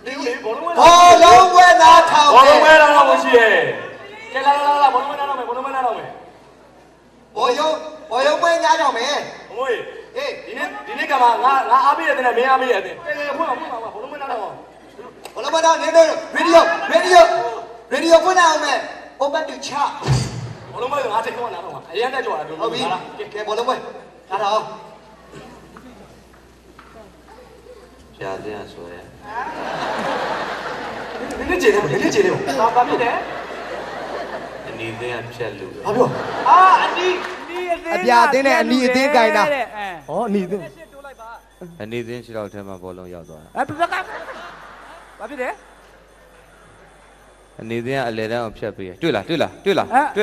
ဘောလုံးဝဲသားထောင်ဘောလုံးဝဲတော့မရှိရဲ့ကဲလာဘောလုံးဝဲတော့မယ်ဘောလုံးဝဲတော့မယ်ဘောယုံဝဲညားတော့မယ်အမွေဟေးဒီနေ့ကမှငါအားပေးရတယ်နဲ့မင်းအားပေးရတယ်ကဲဖွင့်ပါဘောလုံးဝဲတော့ဘောလုံးဝဲသားနေတော့ရေဒီယိုဖွင့်အောင်မယ် open to chat ဘောလုံးဝဲငါထိတ်ခေါ်နာတော့အရင်တက်ကြွတာတို့ဟုတ်ပြီကဲဘောလုံးဝဲလာတော့ပြာစင်းဆိုရဲနည်းကြည့်တယ်ဘာဖြစ်တယ်အနီးစင်းကဖြက်လို့ဘာပြောအနီးအပြာတင်းနဲ့အနီးအသေးကြိုင်တာဟောအနီးတင်းအနီးစင်း6လောက်ထဲမှာဘောလုံးရောက်သွားတာဘက်ကဘာဖြစ်တယ်အနီးစင်းကအလဲတန်းကိုဖြတ်ပေးရတွေ့လားရေဒီယိုကလွ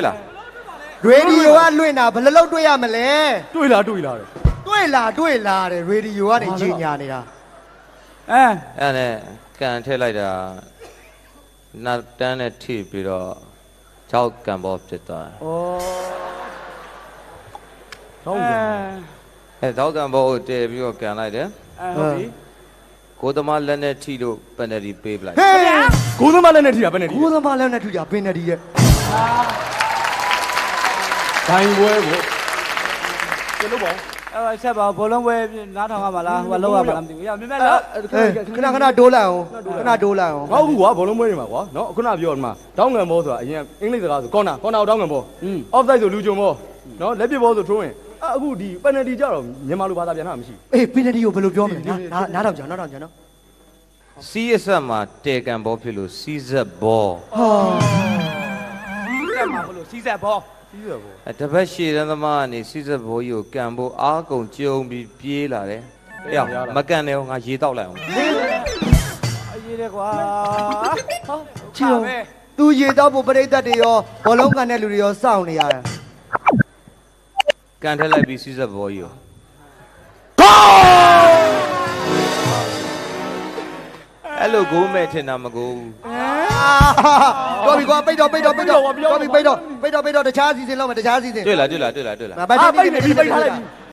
င့်တာဘယ်လောက်တွေ့ရမလဲတွေ့လားတယ်တွေ့လာတယ်ရေဒီယိုကနေကြီးညာနေတာအဲ့နဲ့ကန်ထည့်လိုက်တာနောက်တန်းနဲ့ထိပြီးတော့6ကန်ဘောဖြစ်သွားတယ်6ကန်ဘောကိုတည်ပြီးတော့ကန်လိုက်တယ်ဟုတ်ပြီကိုသမားလက်နဲ့ထိလို့ပန်နယ်တီပေးပလိုက်ကိုသမားလည်းနဲ့ထိတာပဲနဲ့ထိကိုသမားလည်းနဲ့ထူကြပင်နေဒီရဲ့ဒိုင်ပွဲကိုကျလို့ပေါ့ဆက်ပါဘောလုံးပွဲနားထောင်ရမှာလားဟိုကလောက်ရမှာလားမသိဘူးရမြင်မဲ့လားခဏဒိုးလိုက်အောင်ဟောဘူးကွာဘောလုံးပွဲတွေမှာကွာနော်ခုနပြောဒီမှာတောင်းငံဘောဆိုတာအရင်အင်္ဂလိပ်စကားဆိုကော်နာကိုတောင်းငံဘောအော့ဖ်ဆိုက်ဆိုလူဂျုံဘောနော်လက်ပစ်ဘောဆိုထိုးရင်အခုဒီပယ်နယ်တီကြတော့မြန်မာလိုဘာသာပြန်တာမရှိအေးပင်နေဒီကိုဘယ်လိုပြောမလဲနားထောင်ကြနော်စီးအဆက်မှာတဲကန်ဘောဖြစ်လို့စီးဆက်ဘောကဲမှာဘလို့စီးဆက်ဘောတပတ်ရှည်တန်းသမားကနေစီးဆက်ဘောကြီးကိုကန်ဖို့အားကုန်ကြုံပြီးပြေးလာတယ်။အေးမကန်နဲ့ငါရေတောက်လိုက်အောင်အရေးတယ်ကွာဟောချီအောင်သူရေတော့ဖို့ပရိသတ်တွေရောဘောလုံးကန်တဲ့လူတွေရောစောင့်နေရတယ်။ကန်ထက်လိုက်ပြီးစီးဆက်ဘောကြီးကိုအဲ့လိုကိုမဲ့ထင်တာမကိုဘူးတော်ပြီကွာပိတ်တော့တခြားစီစဉ်လောက်မယ်တခြားစီစဉ်တွေ့လားပိတ်ထားလိုက်